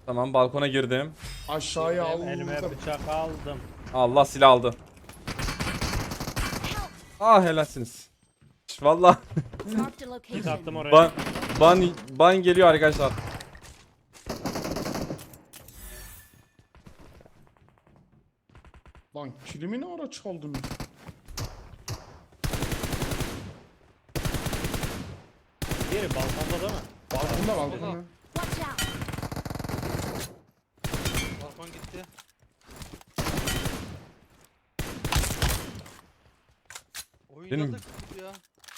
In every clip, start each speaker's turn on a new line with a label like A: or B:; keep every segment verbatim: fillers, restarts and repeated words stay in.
A: Tamam, balkona girdim.
B: Aşağıya
C: Elime
B: aldım.
C: bıçak aldım.
A: Allah, silah aldı. Ah, helalsiniz. Vallahi
D: Marked a
C: Git attım
D: location.
C: oraya.
A: ban ban ban geliyor arkadaşlar.
B: Lan kilimi ne ara çaldın?
C: Diğeri balkonda değil mi?
B: Balkonda balkonda.
D: Watch out.
E: Balkon gitti. Oynadık ya.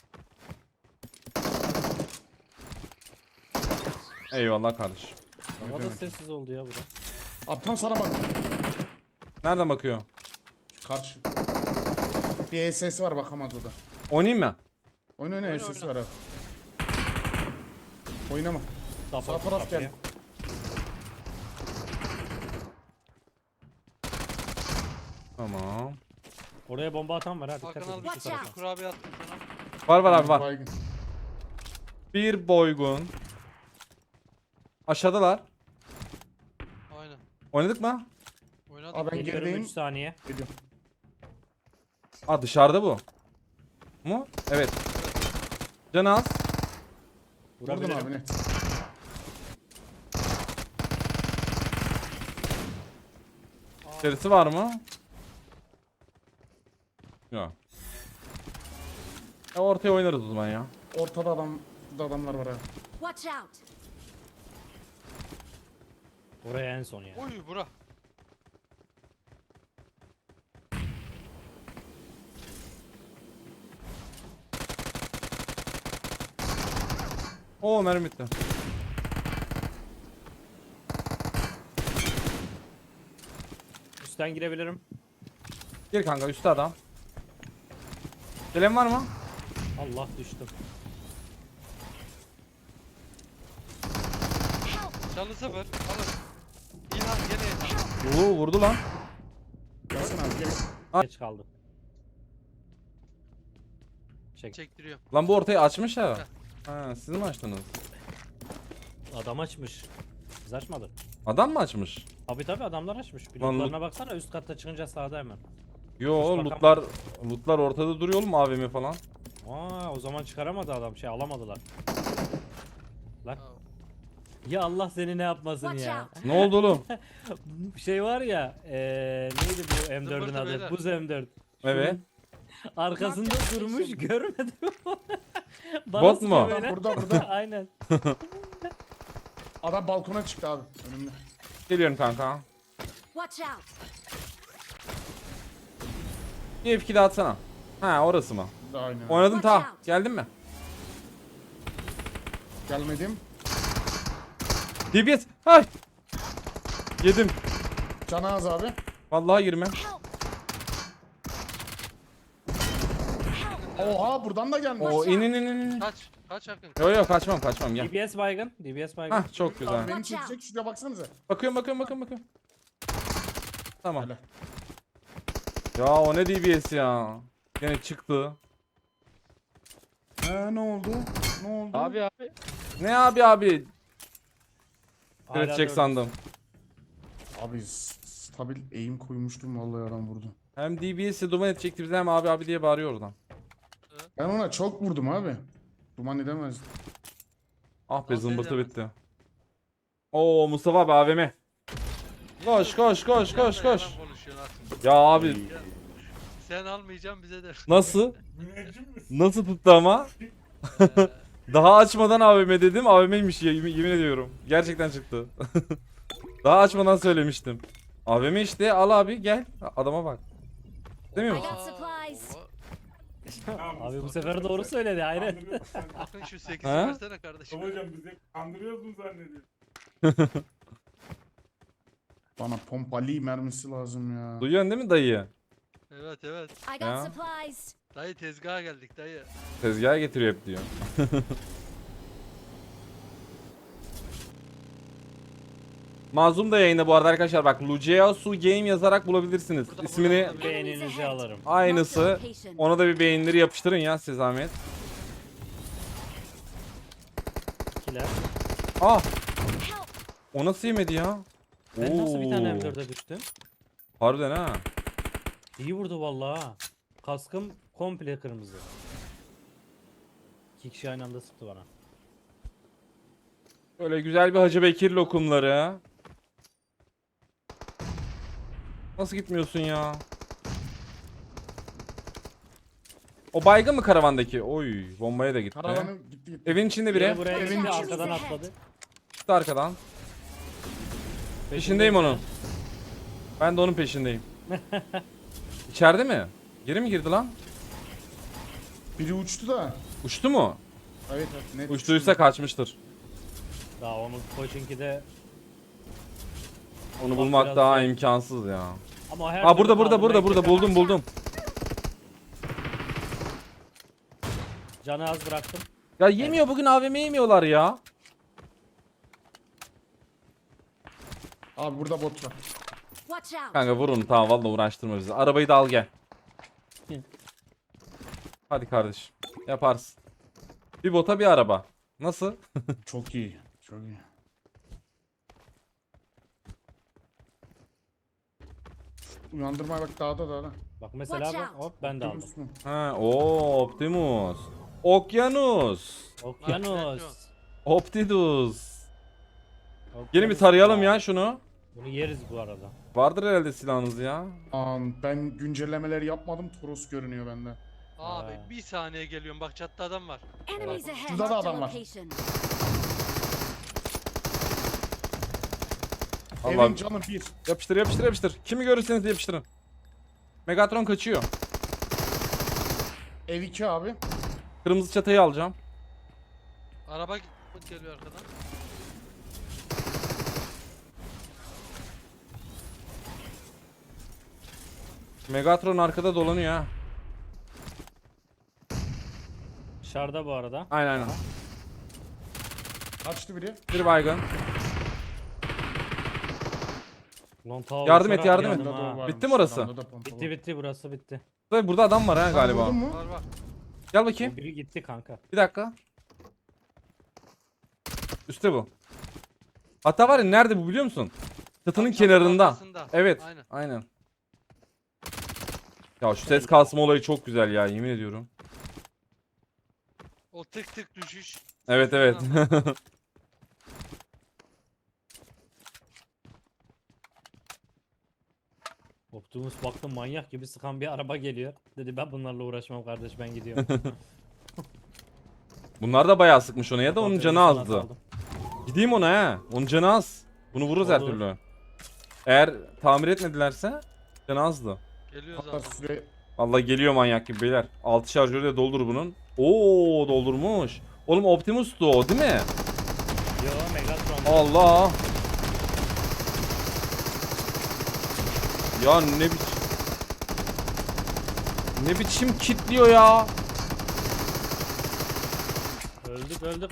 A: Eyvallah kardeşim.
C: Havada sessiz oldu ya bura.
B: Abi sana bak.
A: Nereden bakıyor?
B: Karşı. Bir S S var bakamaz o da.
A: Oynayayım mı?
B: Oyna oyna
E: Oyna,
B: S S
E: oyna.
B: var abi. Oynama. Sağ taraf gel.
A: Tamam.
C: Oraya bomba atan var ha, dikkat
E: Hakan
C: edin.
E: al
C: şu
D: Watch
C: tarafa.
D: out.
E: kurabiye attım sana.
A: Var var abi var.
B: Baygın.
A: Bir boygun. Aşağıdalar.
E: Aynen.
A: Oynadık mı?
E: Oynadık.
B: Abi ben
C: Geliyorum
B: gerideyim.
C: üç saniye.
B: Gidiyorum.
A: Aa, dışarıda bu. Mu? Evet. Can az.
B: Vurdum
C: Vurabilirim.
B: abi ne?
A: İçerisi var mı? Yok. Ya ortaya oynarız o zaman ya.
B: Ortada adam da adamlar var abi.
D: Watch out.
C: Oraya en son ya.
E: Oy bura.
A: Oo, mermi bitti.
C: Üstten girebilirim.
A: Gir kanka, üstte adam. Gelen var mı?
C: Allah düştüm.
E: Canlı sıfır. Alın. İlhan gene İlhan.
A: Oo, vurdu lan.
B: Gelsin abi gel.
C: Geç kaldım. Çek.
E: Çektiriyor.
A: Lan bu ortayı açmış ya. Ha, siz mi açtınız?
C: Adam açmış. Biz açmadık.
A: Adam mı açmış?
C: Abi tabi adamlar açmış. Bir
A: Lan
C: lootlarına baksana, üst katta çıkınca sağda hemen.
A: Yo,
C: Hiç bakam-
A: lootlar lootlar ortada duruyor oğlum, A V M falan.
C: Aa, o zaman çıkaramadı adam, şey alamadılar. Lan.
E: Ha,
C: Ya Allah seni ne yapmasın
D: Watch
C: ya.
D: out.
A: Ne oldu oğlum?
C: Şey var ya, eee neydi bu M dördün
E: Zımbırtı
C: adı?
E: beyler.
C: Buz M dört.
A: Evet.
C: Arkasında durmuş, görmedim. Bana
A: Bot
C: sıkıyor
A: mu?
C: böyle.
B: Burada burada.
C: Aynen.
B: Adam balkona çıktı abi önümde.
A: Geliyorum kanka.
D: Watch out.
A: Bir F iki daha atsana. Ha, orası mı?
B: Burada aynen.
A: Oynadım
D: Watch
A: ta.
D: out.
A: Geldin mi?
B: Gelmedim.
A: D B S. Hay. Yedim.
B: Canaz abi.
A: Vallahi girme.
D: Help.
B: Oha buradan da gelmiş.
A: Oo, in in in in.
E: Kaç. Kaç Hakan.
A: Yo yo, kaçmam kaçmam, gel.
C: D B S baygın, D B S baygın.
A: Hah, çok güzel.
B: Abi beni
D: Watch out.
B: çekecek, şuraya baksanıza.
A: Bakıyorum bakıyorum bakıyorum bakıyorum. Tamam.
B: Hele.
A: Ya o ne D B S ya? Gene çıktı.
B: Ee, ne oldu? Ne oldu?
C: Abi abi.
A: Ne abi abi?
C: Hala
A: Üretecek
C: dört-
A: sandım.
B: Abi s- stabil eğim koymuştum vallahi adam vurdu.
A: Hem D B S'i duman edecekti bize, hem abi abi diye bağırıyor oradan.
B: Ben ona çok vurdum abi. Duman edemez.
A: Ah be,
E: Nasıl
A: zımbırtı
E: edemez?
A: bitti. Oo, Mustafa abi A V M. Koş koş koş koş
E: Yalan
A: koş.
E: konuşuyorsun Hakan.
A: Ya abi
E: Sen almayacaksın bize de.
A: nasıl? Nasıl tuttu ama? Daha açmadan A V M dedim, A V M'ymiş ya, yemin, yemin ediyorum. Gerçekten çıktı. Daha açmadan söylemiştim. A V M işte, al abi gel. Adama bak. Demiyor
D: I
A: musun?
D: got supplies.
E: Oo,
C: Abi bu sefer doğru söyledi, aynen.
E: Bakın şu sekizi
A: Ha?
E: versene kardeşim.
F: Hocam bizi kandırıyoruz mu zannediyor?
B: Bana pompalı mermisi lazım ya.
A: Duyuyorsun değil mi dayı?
E: Evet evet.
D: I got
A: Ya.
D: supplies.
E: Dayı tezgaha geldik dayı.
A: Tezgaha getiriyor hep diyor. Mazlum da yayında bu arada arkadaşlar, bak Luceasu Game yazarak bulabilirsiniz.
E: Burada,
A: İsmini
E: burada,
C: Beğeninizi alırım.
A: aynısı. Ona da bir beğenileri yapıştırın ya size zahmet.
C: İkiler.
A: Ah,
D: Help.
A: O nasıl yemedi ya?
C: Ben nasıl bir tane
A: Oo.
C: M dörde düştüm?
A: Harbiden ha.
C: İyi vurdu vallahi ha. Kaskım komple kırmızı. İki kişi aynı anda sıktı bana.
A: Böyle güzel bir Hacı Bekir lokumları. Nasıl gitmiyorsun ya? O baygın mı karavandaki? Oy, bombaya da gitti.
B: Karavanı gitti gitti.
A: Evin içinde
C: Biri
A: biri.
C: buraya
B: Evin
C: gitti
B: içi.
C: arkadan atladı.
A: Çıktı arkadan. Peşindeyim onun. Ben de onun peşindeyim. İçeride mi? Geri mi girdi lan?
B: Biri uçtu da.
A: Uçtu mu?
B: Evet evet. Net
A: Uçtuysa
B: uçtu.
A: kaçmıştır.
C: Daha onun koçinki de
A: Onu
C: Bak
A: bulmak
C: biraz
A: daha
C: zor.
A: imkansız ya.
C: ama her
A: Aa burada
C: türlü
A: burada burada
C: kaldırmaya
A: burada
C: keser.
A: buldum buldum.
C: Canı az bıraktım.
A: Ya yemiyor bugün A V M yemiyorlar ya.
B: Abi burada bot var.
D: Watch out.
A: Kanka vurun tamam vallahi uğraştırma bizi. Arabayı da al gel. Hadi kardeşim. Yaparsın. Bir bota bir araba. Nasıl?
B: Çok iyi. Çok iyi. Uyandırmaya bak dağda dağda.
C: Bak mesela
D: Watch
C: bak hop ben de aldım.
B: Optimus mu?
A: Ha, o Optimus. Okyanus.
C: Okyanus.
A: Optidus.
C: Okyanus
A: Gelin bir tarayalım ya şunu.
C: Bunu yeriz bu arada.
A: Vardır herhalde silahınız ya.
B: Aman ben güncellemeleri yapmadım. Toros görünüyor bende.
E: Abi
C: Ha.
E: bir saniye geliyorum. Bak çatıda adam var.
D: Enemies ahead.
B: Şurada da
D: Marked a
B: adam var.
D: location.
A: Allah
B: Evin canı bir.
A: yapıştır yapıştır yapıştır. Kimi görürseniz yapıştırın. Megatron kaçıyor.
B: Ev iki abi.
A: Kırmızı çatayı alacağım.
E: Araba git- geliyor arkadan.
A: Megatron arkada dolanıyor ha.
C: Dışarıda bu arada.
A: Aynen aynen.
B: Kaçtı biri.
A: Bir baygın.
C: Lan ta
A: Yardım et,
C: uçarak
A: yardım et.
C: yandım
B: Yanında da
C: ha.
B: o varmış,
A: Bitti mi orası?
B: yanında da pompalı.
C: Bitti bitti burası bitti.
A: Tabii burada adam var ha
B: Sen
A: galiba.
B: vurdun mu?
E: Var var.
A: Gel
C: O
A: bakayım.
C: biri gitti kanka.
A: Bir dakika. Üste bu. Hatta var ya nerede bu biliyor musun? Çatının
E: Tam çatının
A: kenarında.
E: arkasında.
A: Evet.
E: Aynen.
A: Aynen. Ya şu ses kasma olayı çok güzel ya yemin ediyorum.
E: O tık tık düşüş.
A: Evet evet.
C: Optimus baktım manyak gibi sıkan bir araba geliyor. Dedi ben bunlarla uğraşmam kardeş ben gidiyorum.
A: Bunlar da bayağı sıkmış ona ya da onun
C: Optimus'u
A: canı
C: sana
A: azdı.
C: saldım.
A: Gideyim ona he. Onun canı az. Bunu vururuz her
C: Olur.
A: türlü. Eğer tamir etmedilerse canı azdı.
E: Geliyor
B: Hatta
E: zaten.
B: süre
A: Vallahi geliyor manyak gibi beyler. altı şarjörü de doldur bunun. Oo doldurmuş. Oğlum Optimus'tu o değil mi?
C: Yo Megatron.
A: Allah. Ya ne biçim Ne biçim kitliyor ya.
C: Öldük öldük.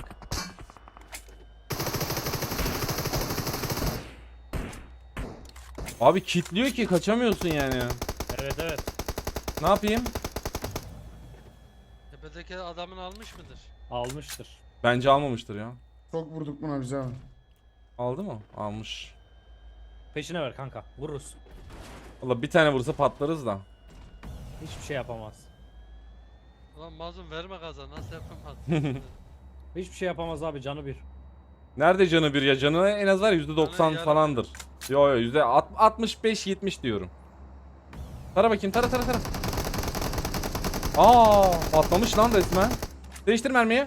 A: Abi kitliyor ki kaçamıyorsun yani.
C: Evet evet.
A: Ne yapayım?
E: Tepedeki adamın almış mıdır?
C: Almıştır.
A: Bence almamıştır ya.
B: çok vurduk buna bize abi.
A: Aldı mı? Almış.
C: Peşine ver kanka. Vururuz.
A: Valla bir tane vursa patlarız da.
C: Hiçbir şey yapamaz.
E: Ulan mazlum verme gaza. Nasıl yapamaz?
C: Hiçbir şey yapamaz abi canı bir.
A: Nerede canı bir ya? Canı en az var yüzde doksan
E: Canı yarım.
A: falandır. Yo yo yüzde altmış beş yetmiş diyorum. Tara bakayım tara tara tara. Aa patlamış lan resmen. Değiştir mermiyi.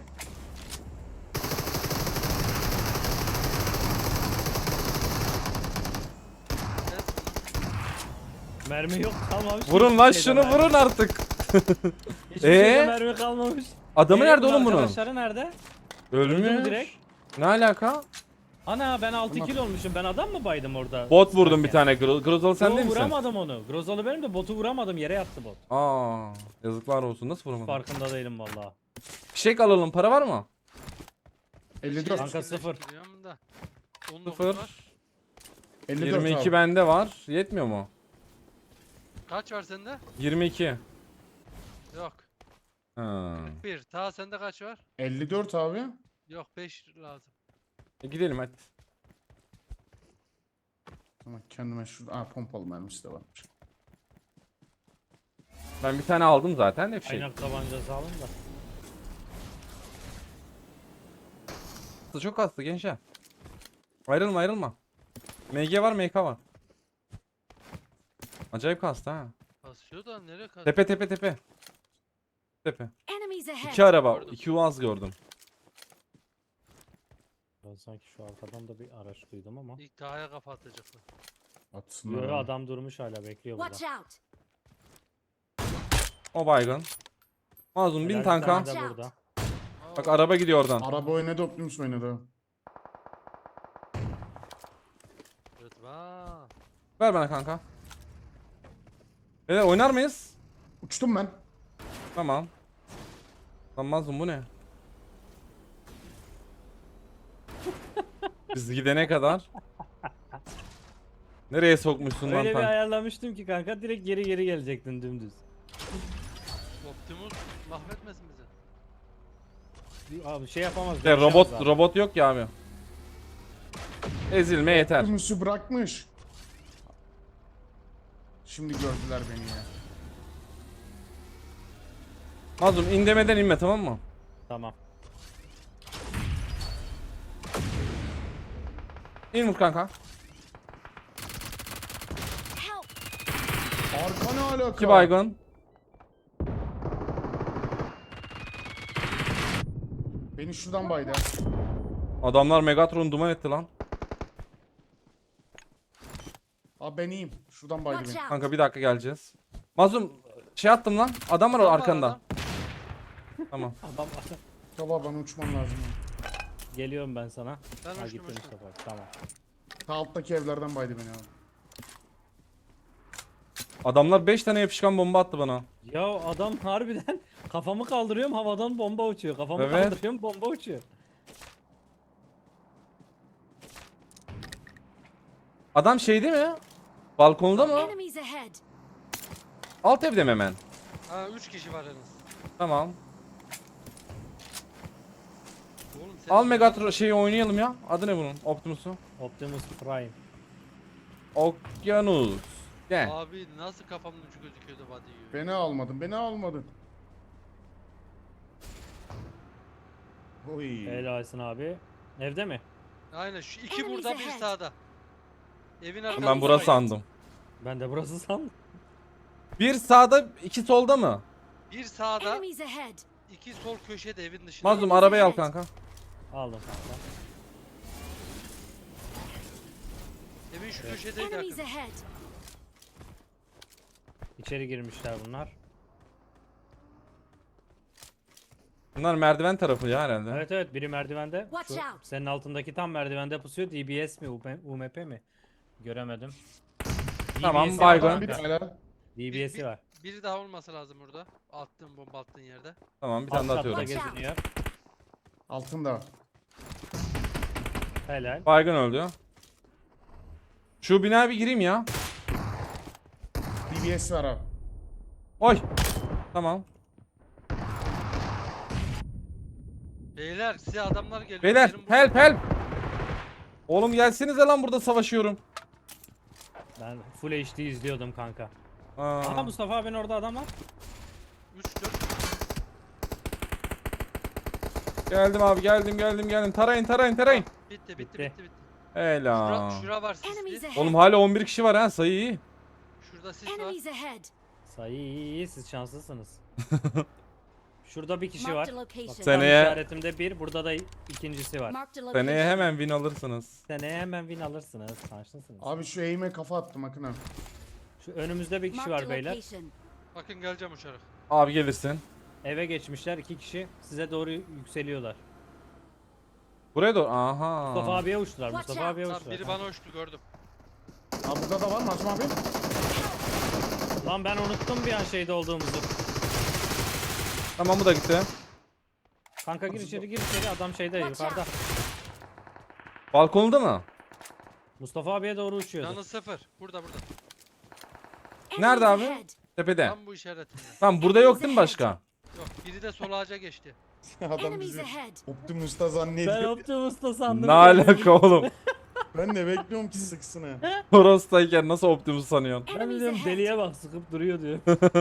C: Mermi yok kalmamış.
A: Vurun
C: hiçbir
A: lan
C: şeyde
A: şunu
C: mermi.
A: vurun artık.
C: Hiçbir şeyde
A: Ee?
C: mermi kalmamış.
A: Adamı
C: Ee,
A: nerede
C: bunun
A: oğlum bunun?
C: Arkadaşları nerede? Öldü mü
A: Ölmüş.
C: direkt?
A: Ne alaka?
C: Ana ben altı
B: Tamam.
C: kill olmuşum. Ben adam mı baydım orada?
A: Bot vurdum bir
C: Sıkarken?
A: tane. Gro- Grozalı sen
C: Yo,
A: değil misin?
C: vuramadım onu. Grozalı benim de botu vuramadım. Yere yattı bot.
A: Aa yazıklar olsun. Nasıl vuramadın?
C: Farkında değilim valla.
A: Fişek alalım. Para var mı?
B: elli dört.
C: Kanka sıfır.
E: Biliyorum da. on dokuz
A: Sıfır.
E: var.
B: elli dört
A: yirmi iki
B: abi.
A: bende var. Yetmiyor mu?
E: Kaç var sende?
A: yirmi iki.
E: Yok.
A: Ha.
E: Bir. Ta sende kaç var?
B: elli dört abi.
E: Yok beş lazım.
A: E gidelim hadi.
B: Ama kendime şurada... Aa pompalı mermisi de varmış.
A: Ben bir tane aldım zaten de bir şey.
C: Kaynak tabancası alın da.
A: Çok hasta gençler. Ayrılma ayrılma. M G var M K var. Acayip kastı ha.
E: Kasıyor da nereye kasıyor?
A: Tepe tepe tepe. Tepe.
D: Enemies ahead.
A: İki araba.
E: Gördüm.
A: iki Uaz gördüm.
C: Ben sanki şu arkadan da bir araç duydum ama.
E: İlk dağa kafa atacaklar.
B: Atsınlar.
C: Yo, yo,
B: abi.
C: adam durmuş hala bekliyor burada.
D: Watch out.
A: O baygın. Mazlum bin
C: Helal, bir
A: tanka.
C: tane de burada.
A: Bak araba gidiyor oradan.
B: Araba oynadı, Optimus oynadı.
E: Rıdvan.
A: Ver bana kanka. Beyler oynar mıyız?
B: Uçtum ben.
A: Tamam. Lan Mazlum bu ne? Biz gidene kadar. Nereye sokmuşsun lan
C: Öyle bir
A: tank?
C: ayarlamıştım ki kanka direkt geri geri gelecektin dümdüz.
E: Optimus mahvetmesin bizi.
C: Abi şey yapamaz.
A: Ya,
C: dönüşemez
A: robot
C: abi.
A: robot yok ya abi. Ezilme yeter.
B: Optimus'u bırakmış. Şimdi gördüler beni ya.
A: Mazlum in demeden inme tamam mı?
C: Tamam.
A: İn vur kanka.
D: Help.
B: Arka ne alaka?
A: İki baygın.
B: Beni şuradan baydı.
A: Adamlar Megatron duman etti lan.
B: Abi ben iyiyim. Şuradan baydı
D: Watch
B: beni.
D: out.
A: Kanka bir dakika geleceğiz. Mazlum şey attım lan. Adam var
E: Adam var,
A: arkanda.
E: adam.
A: Tamam.
C: Adam
B: Baba bana uçmam lazım.
C: geliyorum ben sana.
E: Ben
C: Ha
E: uçtum
C: gittim
E: uçtum.
C: Mustafa. Tamam.
B: Ta alttaki evlerden baydı beni abi.
A: Adamlar beş tane yapışkan bomba attı bana.
C: Ya adam harbiden kafamı kaldırıyorum havadan bomba uçuyor. Kafamı
A: Evet.
C: kaldırıyorum bomba uçuyor.
A: Adam şeyde mi? Balkonda mı?
D: Enemies ahead.
A: Alt evde mi hemen?
E: Ha üç kişi var en az.
A: Tamam.
E: Oğlum sen
A: Al Megatron şeyi oynayalım ya. Adı ne bunun? Optimus'u.
C: Optimus Prime.
A: Okyanus. Gel.
E: Abi nasıl kafamın ucu gözüküyordu body yiyor.
B: Beni almadın, beni almadın. Oy.
C: Helalsin abi. Evde mi?
E: Aynen şu iki
D: Enemies
E: burada bir
D: ahead.
E: sağda. Evin arkasında.
A: Ben burası sandım.
C: Ben de burası sandım.
A: Bir sağda, iki solda mı?
E: Bir sağda,
D: Enemies ahead.
E: iki sol köşede evin dışında.
A: Mazlum arabayı al kanka.
C: Aldım kanka.
E: Evin şu köşedeydi
D: Enemies
E: yakın.
D: ahead.
C: İçeri girmişler bunlar.
A: Bunlar merdiven tarafı ya herhalde.
C: Evet evet biri merdivende.
D: Watch
C: Şu
D: out.
C: senin altındaki tam merdivende pusuyor. D B S mi U M P mi? Göremedim.
A: Tamam,
C: D B S'i
A: baygın.
C: var
B: Bir
C: kanka.
B: hala.
C: D B S'i var.
E: Biri daha olması lazım burada. Attığın bomba attığın yerde.
A: Tamam bir
C: Alt
A: tane daha
C: katta
A: atıyorum.
D: Watch out.
C: geziniyor.
B: Altında.
C: Helal.
A: Baygın öldü. Şu binaya bir gireyim ya.
B: D B S var abi.
A: Oy. Tamam.
E: Beyler size adamlar geliyor.
A: Beyler
E: Gelin buraya.
A: help help. Oğlum gelsenize lan burada savaşıyorum.
C: Ben full H D izliyordum kanka.
A: Aa.
C: Aha Mustafa abinin orada adam var.
E: üç dört.
A: Geldim abi geldim geldim geldim. Tarayın tarayın tarayın.
E: Bitti bitti
C: Bitti.
E: bitti bitti.
A: Helal.
E: Şura, şura var
D: Enemies
E: sisli.
D: ahead.
A: Oğlum hala on bir kişi var ha sayı iyi.
E: Şurada sis var.
D: Enemies ahead.
C: Sayı iyi iyi siz şanslısınız. Şurada bir kişi var.
D: Marked a
C: Bak,
D: location.
C: tam
A: Seneye-
C: işaretimde bir, burada da ikincisi var.
D: Marked a location.
A: Seneye hemen win alırsınız.
C: Seneye hemen win alırsınız. Şanslısınız.
B: Abi şu eğime kafa attım Akın abi.
C: Şu önümüzde bir kişi
D: Marked
C: var
D: a
C: beyler.
D: location.
E: Bakın geleceğim uçarak.
A: Abi gelirsin.
C: Eve geçmişler iki kişi. Size doğru yükseliyorlar.
A: Buraya doğru. Aha.
C: Mustafa abiye uçtular.
D: Watch
C: Mustafa
D: out.
C: abiye
E: Tamam
C: uçtular.
E: biri bana uçtu gördüm.
B: Abi burada da var mı Azim abi?
C: Lan ben unuttum bir an şeyde olduğumuzu.
A: Tamam bu da gitti.
C: Kanka gir içeri gir içeri adam şeyde
D: Watch
C: yukarıda.
A: Balkonda mı?
C: Mustafa abiye doğru uçuyordu.
E: Canı sıfır. Burada burada.
A: Nerede
D: Enemies
A: abi?
D: ahead.
A: Tepede.
E: Tam bu işaretimde.
A: Tamam burada yok değil mi başka?
E: Yok biri de sol ağaca
B: Adam
D: Enemies
B: bizi
D: ahead.
B: Optimus'ta
C: Ben
B: zannediyor.
C: Optimus'ta sandım.
A: Ne alaka oğlum?
B: Ben de bekliyorum ki sıksın ha.
A: Toros'tayken nasıl Optimus sanıyorsun?
C: Ben
D: Enemies
C: diyorum
D: ahead.
C: deliye bak sıkıp duruyor diyor.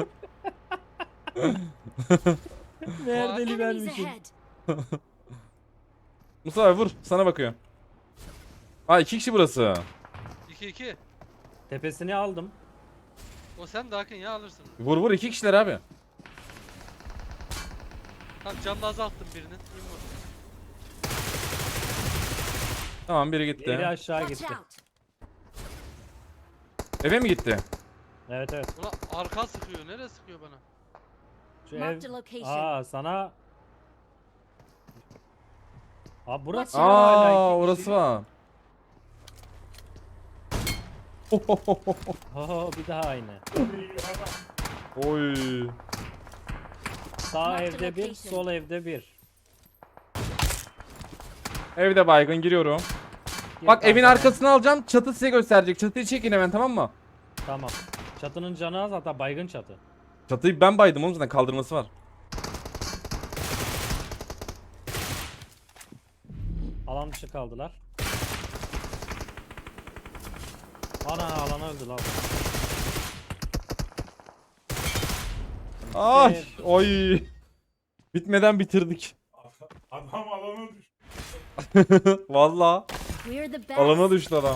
C: Meğer deli
D: Enemies
C: vermişim.
D: ahead.
A: Mustafa vur, sana bakıyor. Ha iki kişi burası.
E: iki iki.
C: Tepesini aldım.
E: O sen de Hakan ya alırsın.
A: Vur vur iki kişiler abi.
E: Tamam canını azalttım birinin. İn vur.
A: Tamam biri
C: Geri
A: gitti.
C: aşağı
D: Watch
C: gitti.
D: out.
A: Eve mi gitti?
C: Evet evet.
E: Ulan arka sıkıyor. Nereye sıkıyor bana?
C: Şu
D: Marked
C: ev...
D: a location.
C: Aa sana... Aa burası
D: Watch
C: ya hala iki
A: Aa
C: kişi.
A: orası var.
C: Oo bir daha aynı.
A: Oy.
C: Sağ
D: Marked
C: evde bir,
D: location.
C: sol evde bir.
A: Evde baygın giriyorum.
C: Gir
A: Bak evin
C: kanka.
A: arkasını alacağım. Çatı size gösterecek. Çatıyı çekin hemen tamam mı?
C: Tamam. Çatının canı az hatta baygın çatı.
A: Çatıyı ben baydım oğlum zaten kaldırması var.
C: Alan dışı kaldılar. Ana alana öldü lan.
A: Ay
C: Evet.
A: oy. Bitmeden bitirdik.
F: Adam alana düştü.
A: Valla.
D: We're the best.
A: Alana düştü adam.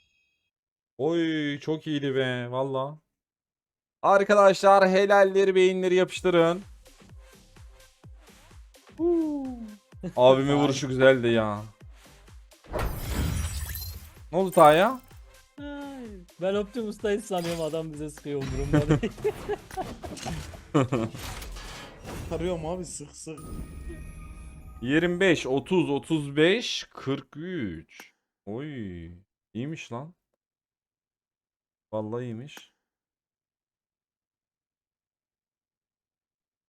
A: Oy çok iyiydi be valla. Arkadaşlar helalleri beyinleri yapıştırın. Huu. Abimin vuruşu güzeldi ya. Ne oldu Taya?
C: Ay, ben Optimus'tayız sanıyorum adam bize sıkıyor umurumda değil.
B: Arıyorum abi sık sık.
A: yirmi beş, otuz, otuz beş, kırk üç. Oy. İyiymiş lan. Vallahi iyiymiş.